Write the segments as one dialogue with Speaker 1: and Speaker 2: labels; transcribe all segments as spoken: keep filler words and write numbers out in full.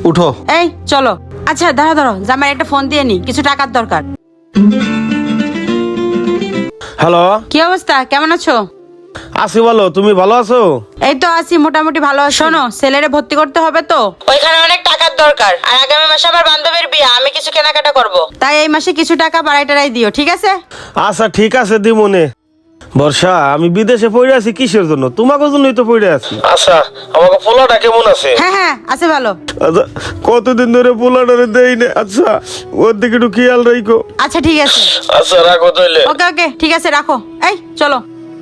Speaker 1: উঠো।
Speaker 2: এই চলো। আচ্ছা দাঁড়া দাঁড়ো, জামাই একটা ফোন দিয়ে নি, কিছু টাকার দরকার।
Speaker 1: হ্যালো,
Speaker 2: কি অবস্থা, কেমন আছো?
Speaker 1: আছি ভালো, তুমি ভালো আছো?
Speaker 2: এই তো আছি মোটামুটি ভালো আছি। শোনো, ছেলেরে ভর্তি করতে হবে তো, ওইখানে অনেক টাকার দরকার, আর আগামী মাসে আমার বান্ধবীর বিয়ে, আমি কিছু কেনাকাটা করব, তাই এই মাসে কিছু টাকা বাড়াই টাড়াই দিও, ঠিক আছে?
Speaker 1: আচ্ছা ঠিক আছে দিমনে। বর্ষা, আমি বিদেশে পড়ে আছি কিসের জন্য? তোমাকে জন্যই তো পড়ে আছি। আচ্ছা, আমাকে পোলাটা কেমন আছে?
Speaker 2: হ্যাঁ হ্যাঁ আছে ভালো।
Speaker 1: আচ্ছা, কতদিন ধরে পোলাটারে দেই না। আচ্ছা, ওর দিকে একটু খেয়াল রাখো।
Speaker 2: আচ্ছা ঠিক আছে।
Speaker 1: আচ্ছা রাখো তাইলে।
Speaker 2: ওকে ওকে ঠিক আছে, রাখো। এই চলো।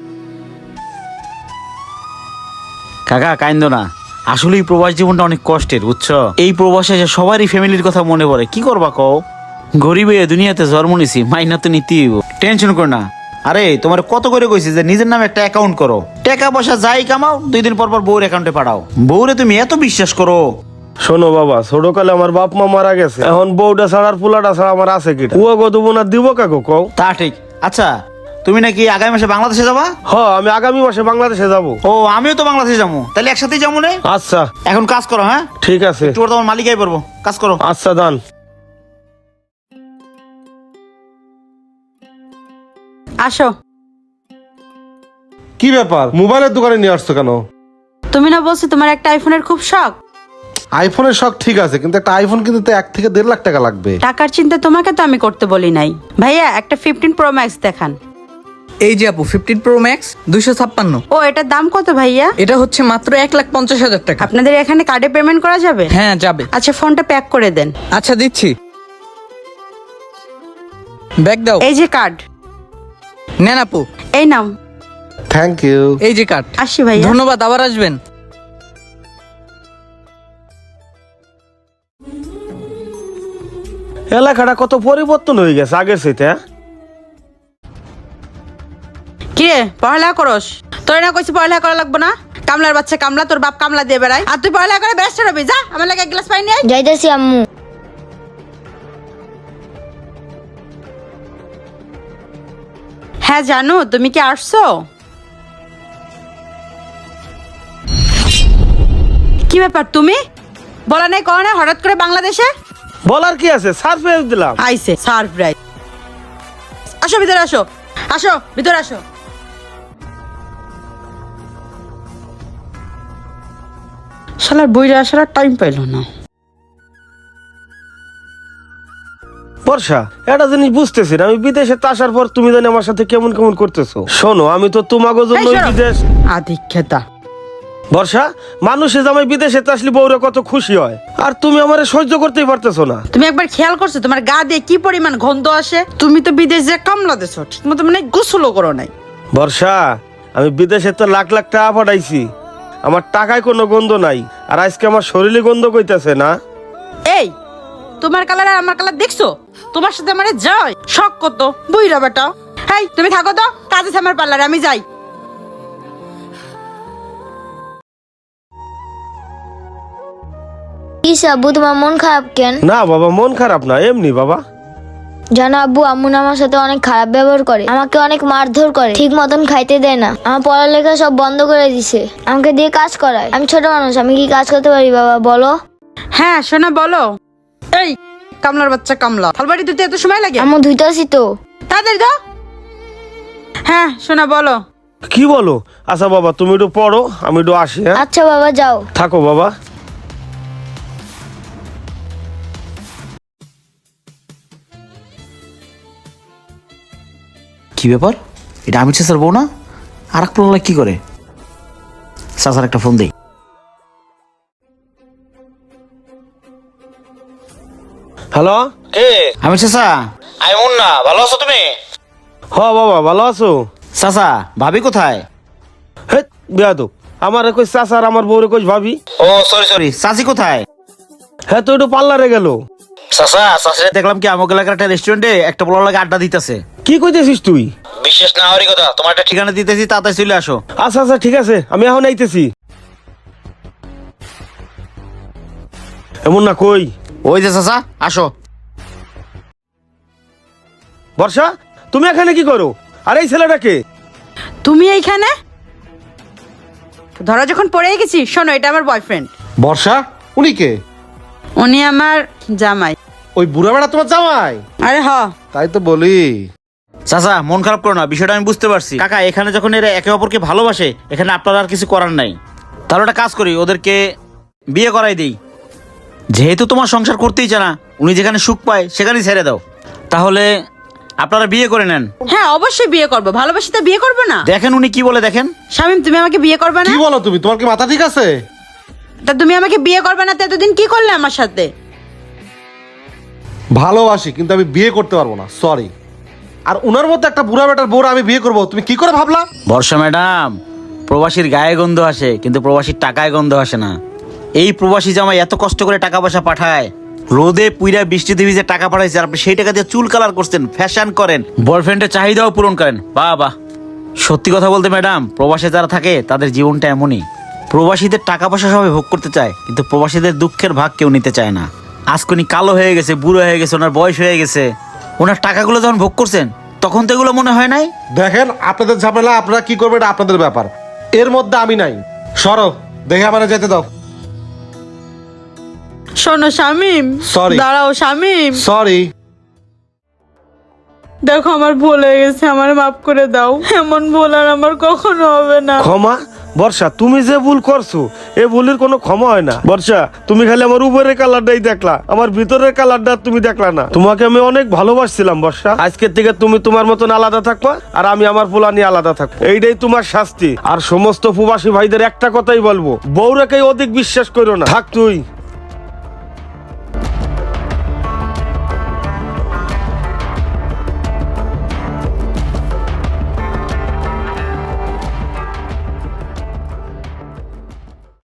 Speaker 3: কাকা কাইন্দ না, আসলে এই প্রবাস জীবনটা অনেক কষ্টের, বুঝছো? এই প্রবাসে এসে সবারই ফ্যামিলির কথা মনে পড়ে, কি করবা কও? গরিবে দুনিয়াতে জন্ম নিছি, মাইনা তো নিতেই হইব। টেনশন করো না। আরে তোমার কত করে কইছি যে নিজের নামে একটা অ্যাকাউন্ট করো, টাকা পয়সা যাই কামাও দুই দিন পর পর বউর অ্যাকাউন্টে পাঠাও। বউরে তুমি এত বিশ্বাস করো?
Speaker 1: শোনো বাবা, ছোটকালে আমার বাপ মা মারা গেছে, এখন বউটা ছাড়ার পোলাটা ছাড়া আমার আছে কি? ও কত বোনা দিব কাকু কও?
Speaker 3: তা ঠিক। আচ্ছা, তুমি নাকি আগামী মাসে বাংলাদেশে যাবা?
Speaker 1: হ, আমি আগামী মাসে বাংলাদেশে যাব।
Speaker 3: ও আমিও তো বাংলাদেশে যাবো, তাহলে একসাথেই যাবো না?
Speaker 1: আচ্ছা
Speaker 3: এখন কাজ করো, হ্যাঁ
Speaker 1: ঠিক আছে।
Speaker 3: তোর তোমার মালিকাই পড়বো, কাজ করো।
Speaker 1: আচ্ছা দান।
Speaker 2: আসো।
Speaker 4: কি ব্যাপার, মোবাইলের দোকানে নিয়ে আসছো কেন?
Speaker 2: তুমি না বলছো তোমার একটা আইফোনের খুব শখ?
Speaker 4: আইফোনের শখ ঠিক আছে, কিন্তু একটা আইফোন কিনতে তো এক থেকে দেড় লাখ টাকা লাগবে।
Speaker 2: টাকার চিন্তা তোমাকে তো আমি করতে বলি নাই ভাইয়া, একটা ফিফটিন প্রো ম্যাক্স দেখান।
Speaker 5: এই যে আপু ফিফটিন প্রো ম্যাক্স দুইশো ছাপ্পান্ন।
Speaker 2: ও এটার দাম কত ভাইয়া?
Speaker 5: এটা হচ্ছে মাত্র এক লাখ পঞ্চাশ হাজার টাকা।
Speaker 2: আপনাদের এখানে কার্ডে পেমেন্ট করা যাবে?
Speaker 5: হ্যাঁ যাবে।
Speaker 2: আচ্ছা ফোনটা প্যাক করে দেন।
Speaker 5: আচ্ছা দিচ্ছি, ব্যাগ দাও।
Speaker 2: এই যে কার্ড।
Speaker 5: নেন আপু,
Speaker 2: এই নাও।
Speaker 4: Thank you.
Speaker 5: এই যে কার্ড।
Speaker 2: আসি ভাইয়া।
Speaker 5: ধন্যবাদ, আবার আসবেন।
Speaker 1: এলাকাটা কত পরিবর্তন হয়ে গেছে আগের চাইতে। হ্যাঁ?
Speaker 2: কিরে পড়ালেখা করস? তোর না কইছি পড়ালেখা করা লাগবে না? কামলার বাচ্চা কামলা, তোর বাপ কামলা দিয়ে বেড়ায়, আর তুই পড়ালেখা করে ব্যস্ত রবি। যা আমার লাগে এক গ্লাস পানি নিয়ে আয়।
Speaker 6: যাইতেছি আম্মু।
Speaker 2: হ্যাঁ জানো, তুমি কি আসছো? কি ব্যাপার, তুমি বলা নাই কও না হঠাৎ করে বাংলাদেশে?
Speaker 1: বলার কি আছে, সারপ্রাইজ দিলাম।
Speaker 2: আইছে সারপ্রাইজ। আসো ভিতরে আসো, আসো ভিতরে আসো। শালার বইরা আসার আর টাইম পাইলো না।
Speaker 1: বর্ষা, একটা জিনিস বুঝতেছি না, আমি বিদেশে তো আসার পর তুমি জানি আমার সাথে কেমন কেমন করতেছো। শোনো, আমি তো তোমাকে জন্য
Speaker 2: এই সরো।
Speaker 1: বিদেশ।
Speaker 2: আধিক্যতা।
Speaker 1: বর্ষা, মানুষে জামাই বিদেশে তো আসলে বউরা কত খুশি হয়, আর তুমি আমারে সহ্য করতেই পারতেছো না।
Speaker 2: তুমি একবার খেয়াল করছো তোমার গা দিয়ে কি পরিমাণ গন্ধ আসে? তুমি তো বিদেশ যে কামলা দেছো, ঠিক মতো মানে গোসলও করো নাই।
Speaker 1: বর্ষা, আমি বিদেশে তো লাখ লাখ টাকা পাঠাইছি, আমার টাকায় কোনো গন্ধ নাই, আর আজকে আমার শরীরে গন্ধ কইতাছে না।
Speaker 2: এই তোমার কালার আর আমার কালার দেখছো? তোমার সাথে আমারে যায় শখ কত বুইরা বেটা। এই তুমি থাকো তো, কাজ আছে আমার পার্লারে, আমি যাই।
Speaker 6: কি আব্বু, তোমার মন খারাপ কেন?
Speaker 1: না বাবা, মন খারাপ না, এমনি বাবা।
Speaker 6: জানো আব্বু, আম্মু না আমার সাথে অনেক খারাপ ব্যবহার করে, আমাকে অনেক মারধর করে, ঠিক মতন খাইতে দেয় না, আমার পড়ালেখা সব বন্ধ করে দিছে, আমাকে দিয়ে কাজ করায়। আমি ছোট মানুষ, আমি কি কাজ করতে পারি বাবা বলো?
Speaker 2: হ্যাঁ শোনা বলো। এই কামলার বাচ্চা কামলা, থালবাড়ি ধুতে এত সময় লাগে?
Speaker 6: আম্মু ধুইতেছি তো।
Speaker 2: তাড়াতাড়ি দাও। হ্যাঁ শোনা বলো।
Speaker 1: কি বলো? আচ্ছা বাবা, তুমি একটু পড়ো, আমি একটু আসি। হ্যাঁ
Speaker 6: আচ্ছা বাবা যাও।
Speaker 1: থাকো বাবা।
Speaker 3: কি ব্যাপার, এটা আমি স্যার বউ না? আর এক প্রহ্লাদ কি করে? চাচার একটা ফোন দেই।
Speaker 1: হ্যালো, কে?
Speaker 3: আমি চাচা।
Speaker 1: আমি মুন্না, ভালো আছো তুমি? হ বাবা, ভালো আছো।
Speaker 3: চাচা, ভাবি কোথায়?
Speaker 1: হে বেয়াদব, আমার কই চাচা আর আমার বউরে কই ভাবি।
Speaker 3: ও সরি সরি, চাচি কোথায়?
Speaker 1: হ্যাঁ তো একটু পার্লারে গেল।
Speaker 3: চাচা, চাচা দেখলাম কি আমাকে এলাকার একটা রেস্টুরেন্টে একটা বড় লাগে আড্ডা দিতেছে।
Speaker 1: কি কইতেছিস তুই?
Speaker 3: বিশেষ না হওয়ারই কথা, তোমার একটা ঠিকানা দিতেছি, তাড়াতাড়ি চলে আসো।
Speaker 1: আচ্ছা আচ্ছা ঠিক আছে, আমি এখন আইতেছি। এমন না কই?
Speaker 3: ওই যে চাচা, আসো।
Speaker 1: বর্ষা, তুমি এখানে কি করো? আর এই ছেলেটাকে?
Speaker 2: তুমি এইখানে? ধরা যখন পড়ে গেছি, শোনো এটা আমার বয়ফ্রেন্ড।
Speaker 4: বর্ষা, উনি কে?
Speaker 2: উনি আমার জামাই।
Speaker 4: ওই বুড়া বেড়া তোমার জামাই?
Speaker 2: আরে হ।
Speaker 4: তাই তো বলি।
Speaker 3: চাচা মন খারাপ করো না, বিষয়টা আমি বুঝতে পারছি। কাকা এখানে যখন এরা একে অপরকে ভালোবাসে, এখানে আপনার আর কিছু করার নাই। তাহলে একটা কাজ করি, ওদেরকে বিয়ে করাই দিই। যেহেতু তোমার সংসার করতেই চায় না, উনি যেখানে সুখ পায় সেখানেই ছেড়ে দাও। তাহলে আপনারা বিয়ে করে নেন।
Speaker 2: হ্যাঁ অবশ্যই বিয়ে করব, ভালোবাসি তো বিয়ে করব না?
Speaker 3: দেখেন উনি কি বলে, দেখেন।
Speaker 2: শামিম তুমি আমাকে বিয়ে করবে না?
Speaker 4: কি বলো তুমি? তোমার কি মাথা ঠিক আছে?
Speaker 2: তা তুমি আমাকে বিয়ে করবে না তো এতদিন কি করলে আমার সাথে?
Speaker 4: ভালোবাসি কিন্তু আমি বিয়ে করতে পারবো না, সরি। আর উনার মধ্যে একটা বুড়া বেটার বউরা আমি বিয়ে করবো, তুমি কি করে ভাবলা?
Speaker 3: বর্ষা ম্যাডাম, প্রবাসীর গায়ে গন্ধ আসে কিন্তু প্রবাসীর টাকায় গন্ধ আসে না। এই প্রবাসী জামাই এত কষ্ট করে টাকা পয়সা পাঠায়, রোদে পুইরা বৃষ্টিতে ভিজে টাকা পাঠাইছে, আর আপনি সেই টাকা দিয়ে চুল কালার করছেন, ফ্যাশন করেন, বয়ফ্রেন্ডের চাহিদাও পূরণ করেন। বাহ বাহ। সত্যি কথা বলতে ম্যাডাম, প্রবাসে যারা থাকে তাদের জীবনটা এমনই। প্রবাসীদের টাকা পয়সা সবাই ভোগ করতে চায়, কিন্তু প্রবাসীদের দুঃখের ভাগ কেউ নিতে চায় না। আজকে উনি কালো হয়ে গেছে, বুড়ো হয়ে গেছে, ওনার বয়স হয়ে গেছে, ওনার টাকাগুলো যখন ভোগ করছেন তখন তো এগুলো মনে হয় নাই।
Speaker 4: দেখেন আপনাদের ঝামেলা, আপনারা কি করবেন এটা আপনাদের ব্যাপার, এর মধ্যে আমি নাই। সরো, দেখে আমার যেতে দাও।
Speaker 2: শোনো শামিম,
Speaker 4: Sorry.
Speaker 2: দাঁড়াও শামিম,
Speaker 4: সরি।
Speaker 2: দেখো আমার ভুল হয়ে গেছে, আমার মাফ করে দাও। এমন ভুল আর আমার কখনো হবে না।
Speaker 1: ক্ষমা? বর্ষা তুমি যে ভুল করছো এ ভুলের কোনো ক্ষমা হয় না। বর্ষা তুমি খালি আমার উপরের কালারটাই দেখলা, আমার ভিতরের কালারটা তুমি দেখলা না। তোমাকে আমি অনেক ভালোবাসছিলাম বর্ষা। আজকের থেকে তুমি তোমার মতন আলাদা থাকবা, আর আমি আমার পোলা নিয়ে আলাদা থাকবো। এইটাই তোমার শাস্তি। আর সমস্ত প্রবাসী ভাইদের একটা কথাই বলবো, বউরাকে অধিক বিশ্বাস করো না। থাক তুই।